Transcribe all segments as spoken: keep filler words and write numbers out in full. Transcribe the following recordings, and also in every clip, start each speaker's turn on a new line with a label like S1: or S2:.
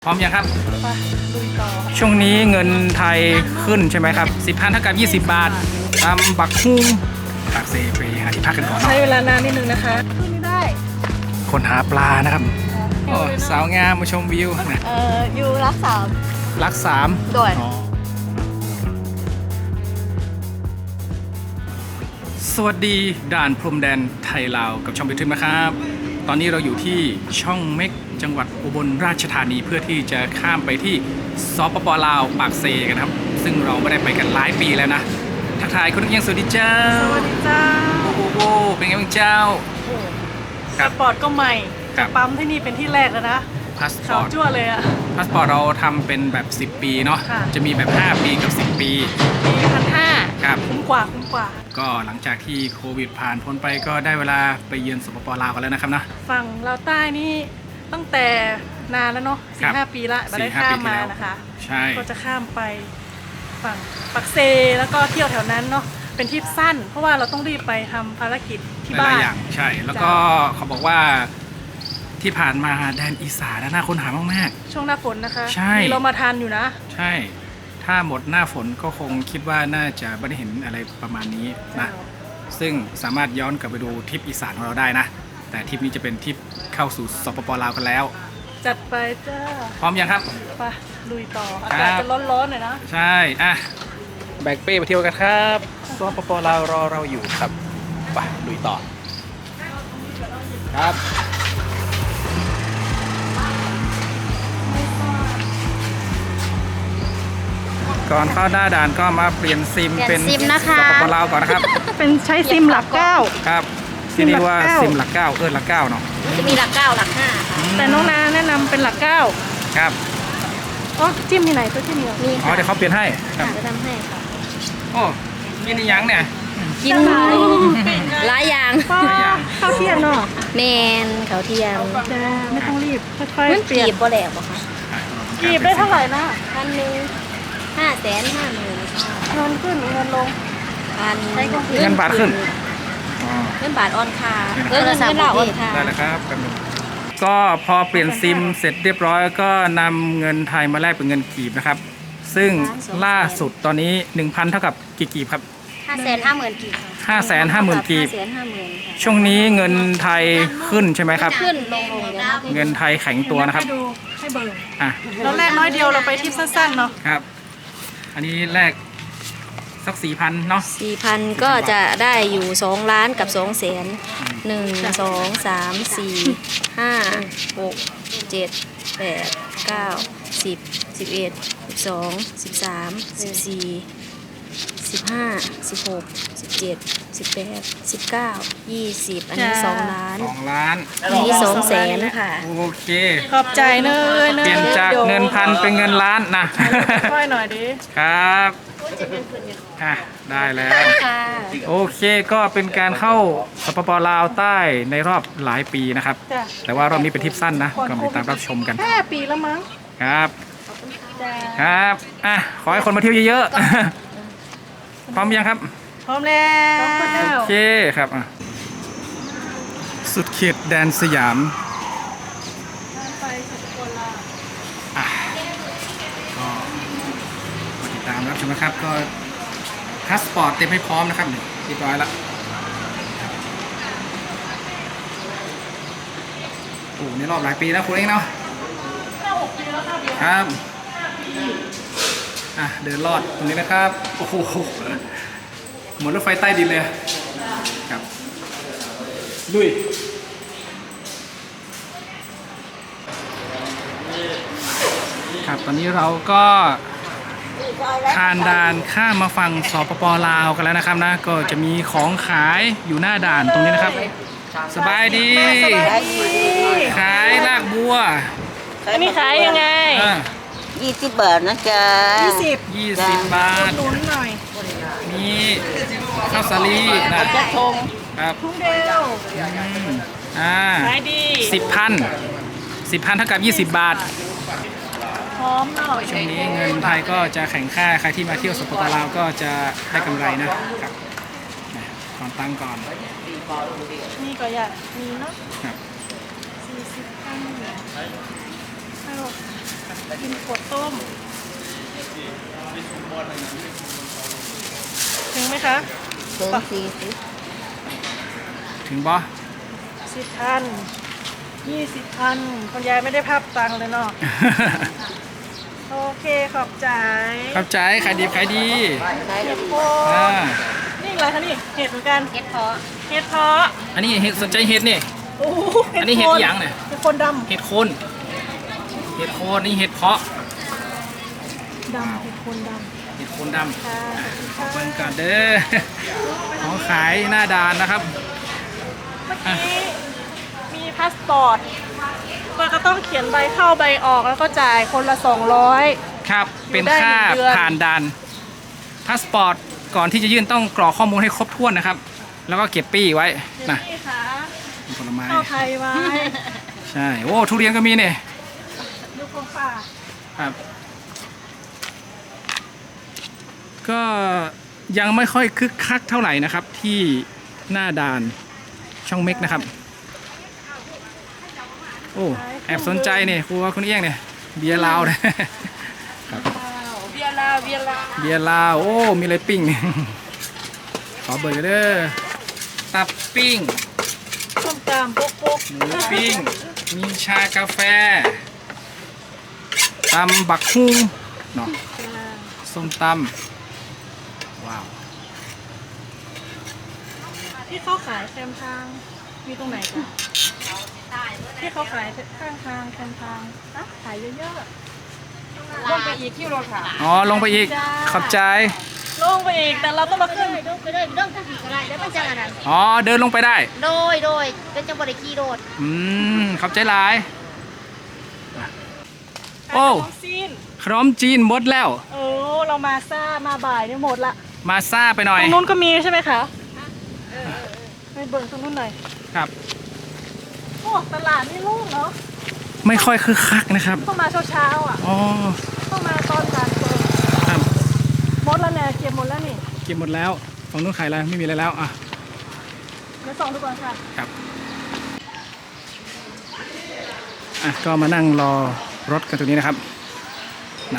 S1: พร้อมยังครับ
S2: ไปลุยต่อ
S1: ช่วงนี้เงินไทยขึ้นใช่ไหมครับสิบพันเท่ากับยี่สิบบาทตามบักฮุ้งปากเซไปหาที่พักกันก่อน
S2: ใช้เวลานานนิดนึงนะคะขึ้นไม่ได้
S1: คนหาปลานะครับโอ้สาวงามมาชมวิวนะ
S2: เอ่ออยู่รักสาม
S1: รักสาม
S2: โดย
S1: สวัสดีด่านพรมแดนไทยลาวกับช่องไปทึมนะครับตอนนี้เราอยู่ที่ช่องเม็กจังหวัดอุบลราชธานีเพื่อที่จะข้ามไปที่สปปลาวปากเซกันครับซึ่งเราไม่ได้ไปกันหลายปีแล้วนะทักทายคุณยังสวัสดีเจ้า
S2: สวัสดีเจ้า
S1: โอ้โหเป็นไงบ้างเจ้า
S2: พาสปอร์ตก็ใหม่ปั๊มที่นี่เป็นที่แรกแล้วนะ
S1: พาสปอร์ต
S2: จั่วเลยอะ
S1: พาสปอร์ตเราทำเป็นแบบสิบปีเนาะจะมีแบบห้าปีกับสิบปี
S2: ปีพันห้า
S1: ครับ
S2: คุ้มกว่าคุ้มกว่า
S1: ก็หลังจากที่โควิดผ่านพ้นไปก็ได้เวลาไปเยือนสปปลาวกันแล้วนะครับนะ
S2: ฝั่งเราใต้นี่ตั้งแต่นานแล้วเนาะสี่ห้าปีละมาได้ข้ามมานะคะ
S1: ใช่
S2: ก็จะข้ามไปฝั่งปักเซแล้วก็เที่ยวแถวนั้นเนาะเป็นทริปสั้นเพราะว่าเราต้องรีบไปทำภารกิจที่บ้านหลาย
S1: อย่างใช่แล้วก็เขาบอกว่าที่ผ่านมาแดนอีสานน่าค้นหามาก
S2: ๆช่วงหน้าฝนนะคะ
S1: ใช่
S2: เรามาทันอยู่นะ
S1: ใช่ถ้าหมดหน้าฝนก็คงคิดว่าน่าจะไม่ได้เห็นอะไรประมาณนี้นะซึ่งสามารถย้อนกลับไปดูทริปอีสานของเราได้นะแต่ทริปนี้จะเป็นทริปเข้าสู่สปปลาวกันแล้ว
S2: จัดไปจ้า
S1: พร้อมยังครับ
S2: ไปลุยต่ออากาศจะร้อนๆหน่อยนะ
S1: ใช่อ่ะแบกเป้ไปเที่ยวกันครับสปปลาวรอเราอยู่ครับไปลุยต่อครับก่อนเข้าหน้าด่านก็มาเปลี่ยนซิมเป็นสปปลาวก่อนนะครับ
S2: เป็นใช้ซิมหลักเก้า
S1: ครับที่นี่ว่าซิมหลักเก้าเออหลักเก้าเนาะ
S3: จะมีหลักเก้าหลักห้า
S2: แต่น้องนาแนะนำเป็นหลักเก้า
S1: ครับ
S2: อ๋อจิ้มที่ไหนตัวจิ้มเดียว
S3: มี
S1: อ๋อเดี๋ยวเขาเปลี่ยนให้
S3: ค่ะจะทำให้ค่ะ
S1: โอ้กินอีหยังเนี่ย
S3: กินหลายอย่าง
S2: ข้าวเที่ยงเนาะ
S3: แมนข้าวเที่ยง
S2: ไม่ต้องรีบค่อยๆเปลี่ยน
S3: กีบบ่แหลกบ่คะ
S2: กีบได้เท่าไหร่นะ
S3: พันหนึ่งห้าแสนห้าหมื่น
S2: เงินขึ้นเงินลง
S3: พัน
S1: เงินบาทขึ้น
S3: เงินบาทออนคาเงินเงินเราออนคา
S1: ได้แล้วครับก็พอเปลี่ยนซิมเสร็จเรียบร้อยก็นำเงินไทยมาแลกเป็นเงินกีบนะครับซึ่งล่าสุดตอนนี้ หนึ่งพัน เท่ากับกี่กีบครับ
S3: ห้าแสนห้าหมื่นกีบ
S1: ห้าแสนห้าหมื่นกีบช่วงนี้เงินไทยขึ้นใช่ไหมครับ
S3: ขึ้นลงลง
S1: เงินไทยแข็งตัวนะครับ
S2: ให้เบอร์อ่ะเราแลกน้อยเดียวเราไปทริปสั้นๆเนาะ
S1: ครับอันนี้แลกสักสี่พันเนาะ
S3: สี่พันก็จะได้อยู่สองล้านกับสองแสนหนึ่งสองสามสี่ห้าหกเจ็ดแปดเก้าสิบสิบเอ็ดสิบสองสิบสามสิบสี่สิบห้าสิบหกสิบเจ็ดสิบแปดสิบเก้ายี่สิบอันนี้สองล้าน
S1: สองล้าน
S3: อันนี้สองแสนค่ะ
S1: โอเค
S2: ขอบใจเนย
S1: เปลี่ยนจากเงินพันเป็นเงินล้านนะ
S2: ค่อยหน่อยดิ
S1: ครับอ่ะได้แล้วโอเคก็เป็นการเข้าสปปลาวใต้ในรอบหลายปีนะครับแต่ว่ารอบนี้เป็นทริปสั้นนะก็มาติดตามรับชมกัน
S2: แค่ปีแล้วมั้ง
S1: ครับครับอ่ะขอให้คนมาเที่ยวเยอะๆพร้อมยังครับ
S2: พร้อมแล้ว
S1: โอเคครับอ่ะสุดเขตแดนสยามอ่ะก็มาติดตามรับชมนะครับก็พาสปอร์ตเต็มให้พร้อมนะครับเรียบร้อยแล้วโอ้ในรอบหลายปีแล้วคุณเองเนาะครับอ่ะเดินลอดตรงนี้นะครับโอ้โหเหมือนรถไฟใต้ดินเลยครับลุยครับตอนนี้เราก็ผ่านด่านข้ามมาฝั่งสปปลาวกันแล้วนะครับนะก็จะมีของขายอยู่หน้าด่านตรงนี้นะครับสบายดีขายลากบัว
S2: อันนี้ขายยังไง
S3: ยี่สิบบาทนะจ๊ะ
S2: ยี่สิบ
S1: ยี่สิบบาท
S2: ลุ้นหน่อย
S1: มีข้าวสาลีนะ
S2: จะทง
S1: ครับ
S2: ทุ่งเดียว
S1: อ่า
S2: ขายดี
S1: สิบพันสิบพันเท่ากับยี่สิบบาท
S2: พร้อมหน่อย
S1: ช่วงนี้เงินไทยก็จะแข่งค่าใครที่มาเที่ยวสปปลาวก็จะได้กำไรนะครับก่อนตั้งก่อน
S2: นี่ก็อยากมีเนาะสี่สิบพันกินขวดต้ม ถึงไหมคะ
S3: ถึงสี่สิบ
S1: ถึงบ่
S2: สิบพันยี่สิบพันคนยายไม่ได้ภาพตังค์เลยเนาะ โอเคขอบใจ
S1: ขอบใจขายดีขายดี
S3: ได้
S2: เห็ดโพ
S1: อ่า
S2: นี่อะไรคะนี่ เห็ดเหมือนกัน
S3: เก็ดพอ
S2: เห็ดเพาะ
S1: อันนี้เห็ดสนใจเห็ดนี่
S2: โอ้โห
S1: อันนี้เห็ด
S2: โค
S1: อีหยังเนี่ย
S2: เห็ดโคนด
S1: เห็ดโคนเห็ดโคนนี่เห็ดเพาะ
S2: ำดำเห็ดโคนด
S1: เห็ดโคนด
S2: ำค่ะ
S1: ำขอเบิ่งก่อนเด้อ ของขายหน้าด่านนะครับ
S2: เมื่อกี้มีพาสปอร์ตมันก็ต้องเขียนใบเข้าใบออกแล้วก็จ่ายคนละสองร้อย
S1: ครับ
S2: อยู่
S1: เป็น
S2: ได้
S1: ค่า
S2: หนึ่งเดือน
S1: ผ่านด่านพาสปอร์ตก่อนที่จะยื่นต้องกรอกข้อมูลให้ครบถ้วนนะครับ แล้วก็เก็บปี้ไว้นะ
S2: นี่ค่ะ
S1: ผลไม้
S2: เข้าไทยไว้
S1: ใช่ โอ้ ทุเรียนก็มีเนี่ย
S2: ดูของป่า
S1: ครับ ก็ยังไม่ค่อยคึกคักเท่าไหร่นะครับ ที่หน้าด่านช่องเม็กนะครับ โอ้แอบสนใจเนี่ยครูว่าคุณเอี้ยงเนี่ยเบียร์ลาวเนี่ย ครับ
S2: เบียร์ลาวเบียร์ลาว
S1: เบียร์ลาวโอ้มีอะไรปิ้ง ขอเบอร์กันเด้อตับปิ้ง
S2: ส้มตำปุ๊กปุ๊ก
S1: หมูปิ้ง มีชากาแฟตำบักฮุงเนาะส้มตำว้าว
S2: ที่เขาขายแคมทางมีตรงไหนคะที่เขาขายข้างทางแคมทางนะขายเยอะๆลงไปอีกที่รถค่ะ
S1: อ๋อ ลงไปอีก ขอบใจ
S2: ลงไปอีกแต่เราต้องมาขึ้น
S3: ไปเลยเรื่องทางผีอะไรแล้วมันจะอะไร
S1: อ๋อ เดินลงไปได้
S3: โดยโดยเป็นจังบริกีโดด
S1: อืม ขอบใจหลาย โอ้
S2: ขายขนมซีน
S1: ขนมจีนหมดแล้ว
S2: เออเรามาซ่ามาบ่ายเนี่ยหมดละ
S1: มาซ่าไปหน่อย
S2: ตรงนู้นก็มีใช่ไหมคะไปเบิร์ตรงนู้นหน่อย
S1: ครับ
S2: โอ้ตลาดนี่โล่งเนาะ
S1: ไม่ค่อยคึกคักนะครับ
S2: ต้องมาเช้าๆอ่ะ
S1: อ๋อ
S2: ต้องมาตอนกลางคืน
S1: ครับ
S2: หมดแล้วเนี่ยเก็บหมดแล้วนี่
S1: เก็บหมดแล้วฝั่งนู้นขายอะไรไม่มีอะไรแล้ว อ่ะ
S2: เดี๋ยวส่องดูก่อนค่ะ
S1: ครับ อ่ะ ก็มานั่งรอรถกันตรงนี้นะครับนะ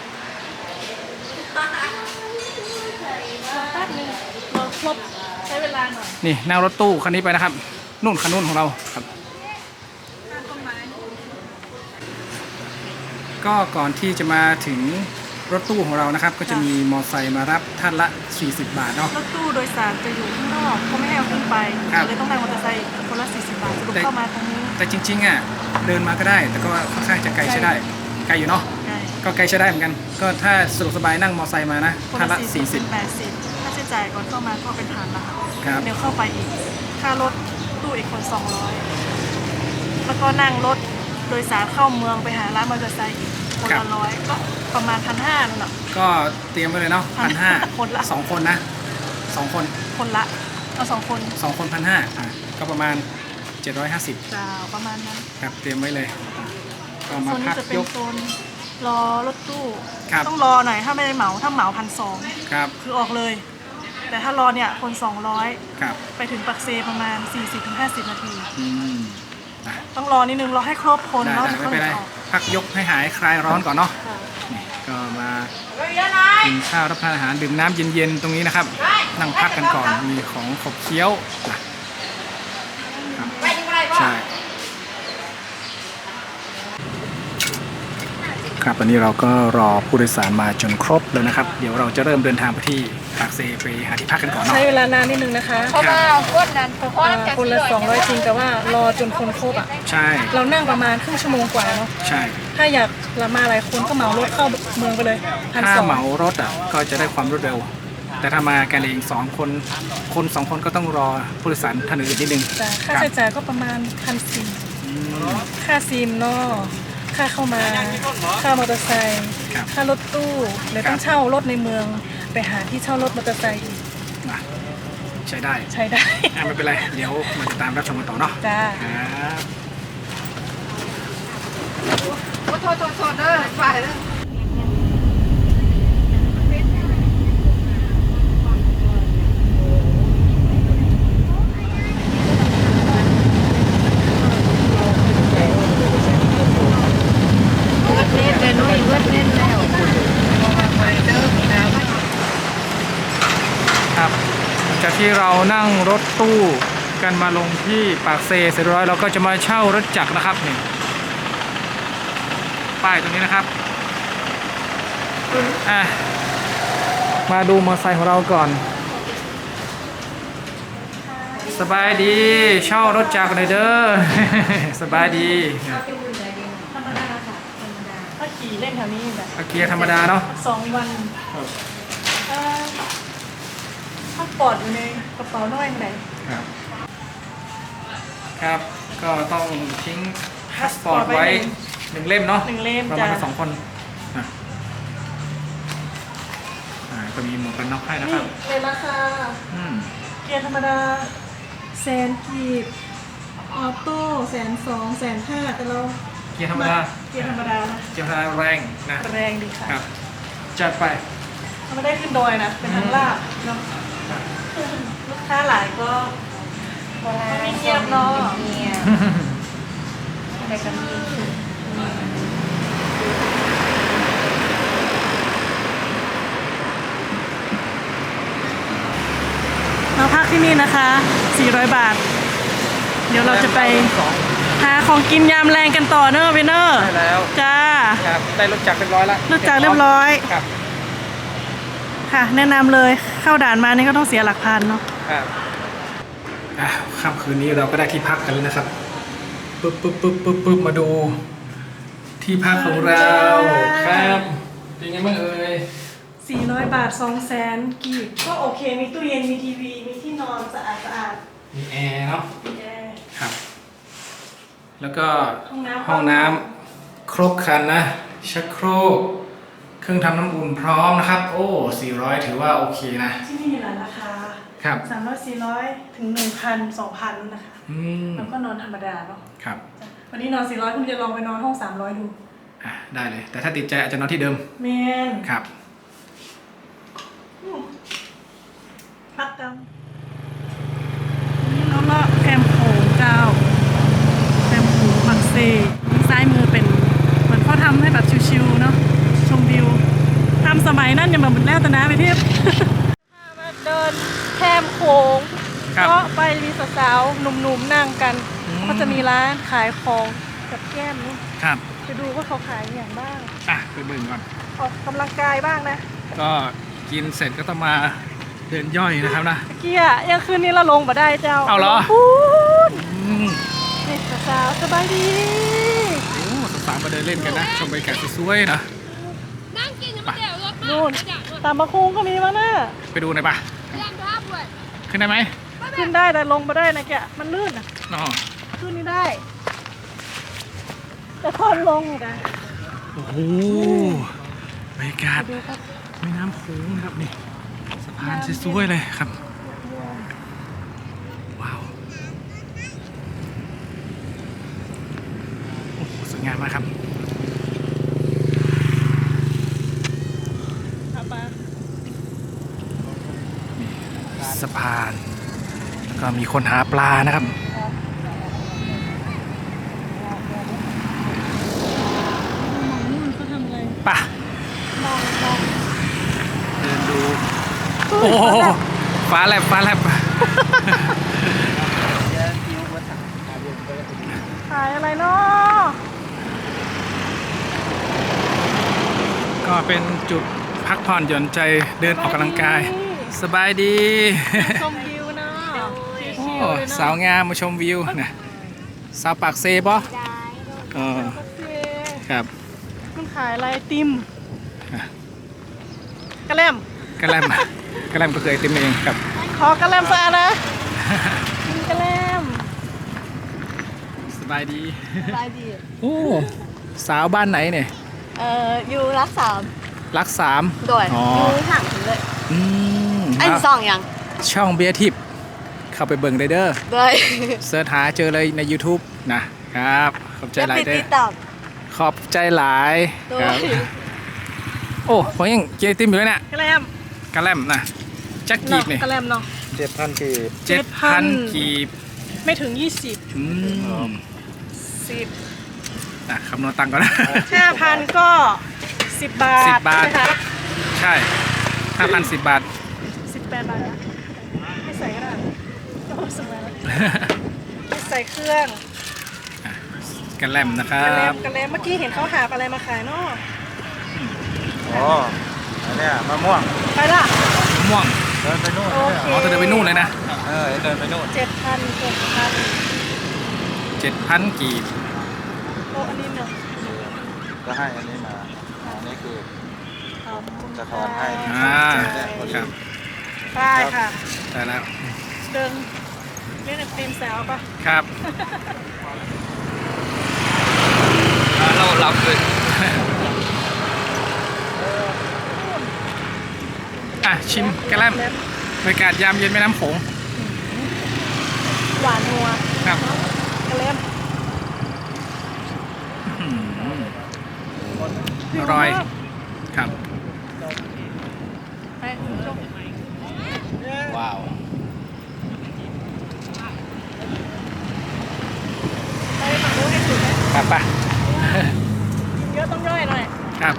S2: แป๊บนึงรอครบใช้เวลาหน่อย
S1: นี่นั่งรถตู้คันนี้ไปนะครับ นู่นคันนู้นของเราครับ
S2: ข้างต้นไม้
S1: ก็ก่อนที่จะมาถึงรถตู้ของเรานะครับ ก็จะมีมอเตอร์ไซค์มารับท่านละ สี่สิบบาทเนาะ
S2: รถตู้โดยสารจะอยู่ข้างนอกเขาไม่ให้เอาขึ้นไป
S1: ครับ
S2: เลยต้องนั่งมอเตอร์ไซค์คนละสี่สิบบาทสรุปเข้ามาตรงนี้
S1: แต่จริงๆอ่ะเดินมาก็ได้ แต่ก็ค่อนข้างจะไกลใช้ได้ ไกลอยู่เนาะ
S2: ใช่
S1: ก็ไกลใช้ได้เหมือนกัน ก็ถ้าสะดวกสบายนั่งมอเตอร์ไซค์มานะ
S2: คน
S1: ท่าน
S2: ละ
S1: ละ
S2: สี่
S1: สี่
S2: สิ
S1: สิ
S2: บบ แปดสิบค่าใช้จ่ายก่อนเข้ามาก็เป็นพันละค่ะ
S1: ครับ
S2: เดี๋ยวเข้าไปอีก ค่ารถตู้อีกคนสองร้อยแล้วก็นั่งรถโดยสารเข้าเมืองไปหาร้านมอเตอร์ไซค์อีกคนละร้อยก็ประมาณพันห้านั่นแหละ
S1: ก็เตรียมไว้เลยเนาะพันห้า
S2: คนละ
S1: สองคนนะสองคน
S2: คนละเอาสองคน
S1: สองคนพันห้าอ่ะก็ประมาณ เจ็ดร้อยห้าสิบ
S2: จะประมาณนั้น
S1: ครับเตรียมไว้เลยอ่ะก็
S2: โซ
S1: มาน
S2: นี้
S1: พัก
S2: จะเป็น
S1: ยก
S2: โซนรอรถตู้
S1: ครับ
S2: ต้องรอหน่อยถ้าไม่ได้เหมาถ้าเหมาพันสอง
S1: ครับ
S2: คือออกเลย แต่ถ้ารอเนี่ยคนสองร้อย
S1: ครับ
S2: ไปถึงปักเซประมาณ สี่สิบถึงห้าสิบ นาที
S1: อืมอ่ะ
S2: ต้องรอนิดนึงรอให้ครบคน
S1: ได้
S2: แล้ว
S1: ได้
S2: ถึง
S1: ไม่
S2: ค่อ
S1: เป็นไร
S2: ยออก
S1: พักยกให้หายคลายร้อนก่อนเนาะ
S2: ค่ะ
S1: นี่ก็มากินข้าวรับประทานอาหารดื่มน้ำเย็นๆตรงนี้นะครับ นั่งพักกันก่อนมีของขบเคี้ยวนะครับใช่ครับตอนนี้เราก็รอผู้โดยสารมาจนครบแล้วนะครับ เดี๋ยวเราจะเริ่มเดินทางไปที่ปากเซไปหาที่พักกันก่อนเนาะ
S2: ใช้เวลานานนิดนึงนะคะ
S3: เพราะว่าคนนั้นเพราะ
S2: อ่า
S3: ว่า
S2: คนละสองร้อยจริงแต่ว่ารอจนคนครบอ่ะ
S1: ใช่
S2: เรานั่งประมาณครึ่งชั่วโมงกว่าเนาะ
S1: ใช่
S2: ถ้าอยากละมาหลายคนก็เหมารถเข้าเมืองไปเลยพัน
S1: ถ้า
S2: สอง
S1: เหมารถอ่ะก็จะได้ความรวดเร็ว แต่ถ้ามากันเองสองคนคนสองคนก็ต้องรอผู้โดยสารท่านอื่นนิดนึง
S2: แต่ค่า
S1: ครับ
S2: ใช้จ่ายก็ประมาณพันสี่
S1: อืม
S2: ค่าซิมเนาะค่าเข้ามาค่ามอเตอร์ไซค์
S1: ครับ
S2: ค่ารถตู้เลยต้องเช่ารถในเมืองไปหาที่เช่ารถมอเตอร์ไซค์อีก
S1: นะใช้ได้
S2: ใช้ได้
S1: อ่ะไม่เป็นไร เดี๋ยวมาติดตามรับชมกันต่อเนาะ
S2: จ้า
S1: ครับ
S3: โทษโทษโทษเด้อไปเด้อ
S2: นี่เป็น
S1: จากที่เรานั่งรถตู้กันมาลงที่ปากเซเสร็จเรียบร้อยเราก็จะมาเช่ารถจักรนะครับนี่ป้ายตรงนี้นะครับอ่ะมาดูมอเตอร์ไซค์ของเราก่อนสบายดีเช่ารถจักรเลยเด้อ สบายดี
S2: ธรรมดาค่ะธรรมดาถ้าขี่เล่นแถวนี้แบบ
S1: อาเกียร์ธรรมดาเนาะ
S2: สองวันเอ่อพาสปอร์ตอยู่ในกระเป๋าน้อยไหน
S1: ครับครับก็ต้องทิ้งพาสปอร์ตไว้หนึ่งเล่มเนาะ
S2: หนึ่งเล่ม
S1: ประ
S2: จ้ะ
S1: มาณสองคนอ่ะอ่าก็มีหมวกกันน็อกให้นะค
S2: นี่
S1: รับ
S2: เลยราคา
S1: อืม
S2: เกียร์ธรรมดาแสนกีบออโต้แสนสองแสนห้าแต่เรา
S1: เกียร์ธรรมดา
S2: เกียร์ธรรมดานะ
S1: เกียร์ธรรมดาแรงนะ
S2: แรงดีค่ะ
S1: ครับจัดไป
S2: เราไม่ได้ขึ้นดอยนะ เป็นทางลาดเนาะลูกค้าหลายก็ไม่เงียบเนาะ
S3: แต่ก็มี
S2: เราพักที่นี่นะคะสี่ร้อยบาท เดี๋ยวเราจะไป
S1: สอง
S2: หาของกินยามแรงกันต่อเนอะเวนเนอร์
S1: ได้แล้ว
S2: จ้า
S1: ครับได้รถจักรเรียบร้อยแล้ว
S2: รถจักรเรียบร้อย
S1: ครับ
S2: ค่ะ แนะนำเลยเข้าด่านมานี่ก็ต้องเสียหลักพันเนาะ
S1: ครับอ่ะค่ำคืนนี้เราก็ได้ที่พักกันแล้วนะครับปึ๊บปึ๊บปึ๊บปึ๊บปึ๊บมาดูที่พักของเราครับเป็นไงบ้างเอ่ย
S2: สี่ร้อยบาทสองแสนกีบก็โอเค มีตู้เย็น มีทีวี มีที่นอนสะอาดสะอาด
S1: มีแอร์เนาะ
S2: มีแอร์
S1: ครับ แล้วก็
S2: ห้องน้ำ
S1: ห้องน้ำครบครันนะ ชักโครก เครื่องทำน้ำอุ่นพร้อมนะครับ โอ้สี่ร้อยถือว่าโอเคนะ
S2: ที่นี่มีหลายราคา
S1: ครับ
S2: สามร้อยสี่ร้อยถึงหนึ่งพันสองพันนะคะ
S1: อืม
S2: แล้วก็นอนธรรมดาเนาะ
S1: ครับ
S2: จ้ะวันนี้นอนสี่ร้อยคุณจะลองไปนอนห้องสามร้อยดู
S1: อ่ะได้เลย แต่ถ้าติดใจอาจจะนอนที่เดิม
S2: เมน
S1: ครับ
S2: อืมพักกันนี่น้องเลาะแคมโขงเจ้าแคมโขงมักเซซ้ายมือเป็นเหมือนเขาทำให้แบบชิวๆเนาะชมวิวทำสมัยนั้นยังแบบเหมือนแล้วแต่นะไปเทียบ มาเดินแคมโขง
S1: ครับ
S2: ก็ไปมีสาวๆหนุ่มๆนั่งกัน
S1: อืม
S2: ก็จะมีร้านขายของกับแก้มนี่
S1: ครับ
S2: ไปดูว่าเขาขายอย่างบ้าง
S1: อ่ะไปเบิ่งก่อน
S2: ออกกำลังกายบ้างนะ
S1: ก็กินเสร็จก็ต้องมาเดินย่อยนะครับนะ
S2: เมื่อกี้อะยังคืนนี้เราลงมาได้เจ้า
S1: เอาเหรอ
S2: พูด
S1: อืม
S2: นี่สาวๆสบายดี
S1: โอ้สาวๆมาเดินเล่นกันนะ ชมบรรยากาศสวยๆนะ
S4: นั่งกินยังไม่เดี๋ยวรถมา
S2: นู่น
S4: กระดักด้วย
S2: ตามมาคุงก็มีมั้งนะ
S1: ไปดูหน่อยปะ
S4: แรงภาพด้วย
S1: ขึ้นได้ไหม
S2: ขึ้นได้แต่ลงมาได้นะแกมันลื่นอ่ะ
S1: อ๋อ
S2: ขึ้นนี่ได้ แต่ตอนลงอะนะ
S1: โอ้โหบรรยากาศแม่น้ำโขงนะครับนี่สะพานสวยๆเลยครับ ว้าวโอ้โหสวยงามมากครับ
S2: เอาไป
S1: สะพานแล้วก็มีคนหาปลานะครับ
S2: นู่นเขาทำอะไร
S1: ป่ะ
S2: มองมอง
S1: เดินดู โอ้โหฟ้าแลบฟ้าแลบ
S2: ขายอะไรเนาะ
S1: ก็เป็นจุดพักผ่อนหย่อนใจเดินออกกำลังกาย สบายดี
S2: ชมวิวเนาะ
S1: โอ้
S2: ชิวๆเลยเนาะ
S1: สาวงามมาชมวิวนะสาวปากเซปะเออ
S2: โอเค
S1: ครับ
S2: มันขายอะไรไอติม
S1: อ่ะ
S2: กระแลม
S1: กระแลมกระแลมก็เคยเต็มเองครับ
S2: ขอกระแลมสะอาดนะกินกระแลม
S1: สบายดี
S3: สบายดี
S1: โอ้สาวบ้านไหนเนี่ย
S3: เอ่ออยู่รักสาม
S1: รักสาม
S3: โดย
S1: อ๋อ
S3: อยู่ห่างถึงเลย
S1: อืม
S3: ไอ้สองยัง
S1: ช่องเบียร์ทิพย์เข้าไปเบิ่งได้เด้อ
S3: โดย
S1: เสิร์ชหาเจอเลยใน YouTube นะครับขอบใจหลาย
S3: ปิด
S1: เด้
S3: ติ
S1: อ
S3: ดตาม
S1: ขอบใจหลาย
S3: โด
S1: ครั
S3: ย
S1: บโอ้ผมยังเจติมอยู่เลยเนี่ย
S2: กระแลม
S1: กระแลมนะจักกีบนี่
S2: กระแลมเนาะ
S5: เจ็ดพันกีบ
S1: เจ็ดพันกีบ
S2: ไม่ถึงยี่สิบ
S1: อืม
S2: สิบ
S1: อ่ะคำนวณตังค์ก่อนนะ
S2: ห้าพันก็สิบบาท
S1: สิบบาท
S2: ใช่ไหมคะ
S1: ใช่ห้าพันสิบบาท
S2: สิบแปดบาทนะไม่ใส่ก็ได้โอ้สบายไม่ใส่เครื่อง
S1: กระแลมนะครั
S2: กระแล
S1: บ
S2: มกระแลมเมื่อกี้เห็นเขาหาบอะไรมาขายเนาะ
S5: อ๋ออันเนี้ยมะม่วง
S2: ไปละ
S1: ม่วง
S5: เดินไปนู่น
S2: โอเค
S1: อ๋อจะเดินไปนู่นเลยนะ
S5: เออเดินไปนู่น
S2: เจ็ดพันเจ็ดพัน
S1: เจ็ดพันกีบ
S2: โอ้อันนี้เนาะ
S5: ก็ให้อันนี้มาอันนี้คือ
S2: ขอบคุณ
S5: จะทอนให้
S1: อ่าครับ
S2: ได้ค่ะ
S1: ได้แล้ว
S2: เดินเล่นไอติมสาวปะ
S1: ครับ
S5: เราเราคือ
S1: อ่ะชิมกระแลมบรรยากาศยามเย็นแม่น้ำโขง
S2: หวานนัว
S1: ครับ
S2: กระแลม
S1: อื้อหืออร่อยครับ
S2: ไปคุณผู้ชม
S1: ว้าว
S2: ไปฝั่งนู้นให้สุดนะครับ
S1: ปะ
S2: กินเยอะต้องย่อยหน่อย
S1: ครับ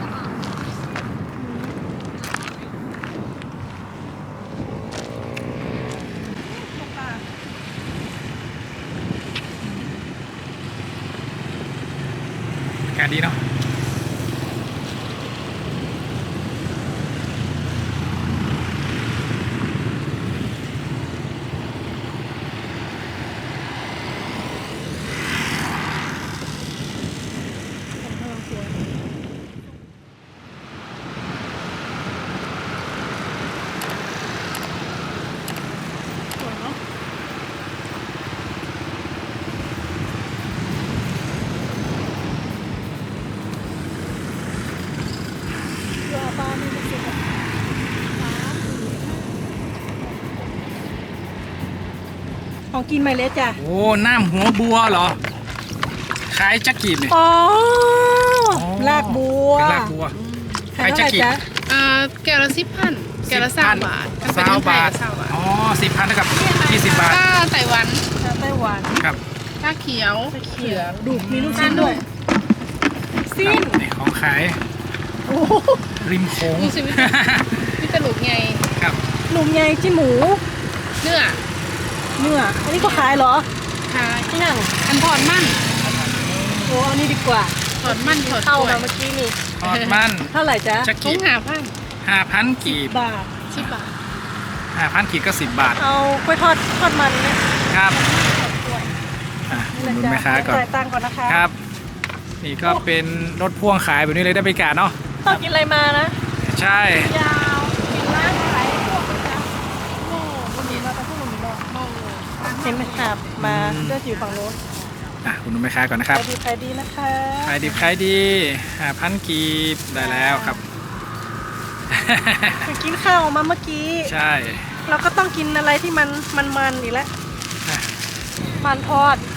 S1: อากาศดีเนาะ
S2: สวยเนาะเรือปลามีมันสุดอะของกินไหมเล็กจ้ะ
S1: โอ้น้ำหัวบัวเหรอขายจักกีบเนี่ย
S2: อ๋อ
S1: อ๋อ
S2: ลากบัว
S1: เป็นลากบัว
S2: ขายเท่าไหร่จ๊ะ
S6: อ่าแก้วละสิบพันแก้วละสามบาทถ้
S1: สามบาท
S6: สามบาท
S1: อ๋อสิบพันเท่ากับยี่สิบบาท
S6: ถ้าไต้หวัน
S2: ชาไต้หวัน
S1: ครับ
S6: ถ้าเขียว
S2: เขียวดูกมีลูกชิ้นด้วยสิ้น
S1: นี่ของขาย
S2: โอ้โห
S1: ริมโค้ง
S6: ดูสิวิตวิตาลุกไง
S1: ครับ
S2: หนุ่มใหญ่จิ้นหมู
S6: เนื้อ
S2: เนื้ออันนี้ก็ขายเหรอ
S6: ขาย
S2: ที่นั่ง
S6: อันถอดมัน
S2: โอ้อันนี้ดีกว่า
S6: ถอดมันถอด
S2: เข้าก
S6: ล้วย
S2: มาเมื่อกี้นี่
S1: ทอดมัน
S2: เท่าไหร่จ๊ะ
S1: จัก
S6: ทุ
S1: กี
S6: ง
S1: บ
S6: หาพัน
S1: ห้าพันกีบบ
S2: าท
S6: สิบบาท
S1: ห้าพันกีบก็สิบบาท
S2: เอากล้วยทอดทอดมันไหม
S1: ครับอ่ะอุดหนุนแม่ค้าก่อน
S2: จ่ายตังค์ก่อนนะคะ
S1: ครับ นี่ก็เป็นรถพ่วงขายแบบนี้เลยได้บรรยากาศเนาะ
S2: ต้องกินอะไรมานะ
S1: ใช่
S2: ยาวกินร้านขายพวกประจำโอ้บุญมีมาแต่พวกบุญมีบอก
S6: โอ้
S2: เห็นไหมครับมาเลือกอยู่ฝั่งโน้น
S1: อ่ะอุดหนุนแม่ค้าก่อนนะค
S2: ขา
S1: รับ
S2: ยดีขายดีนะคะ
S1: ขายดิบขายดีห้าพันกีบได้แล้วครับ
S2: ไปกินข้าวมาเมื่อกี้
S1: ใช่
S2: เราก็ต้องกินอะไรที่มันมันมันๆอีกแล้ว
S1: อ่ะ
S2: มันทอด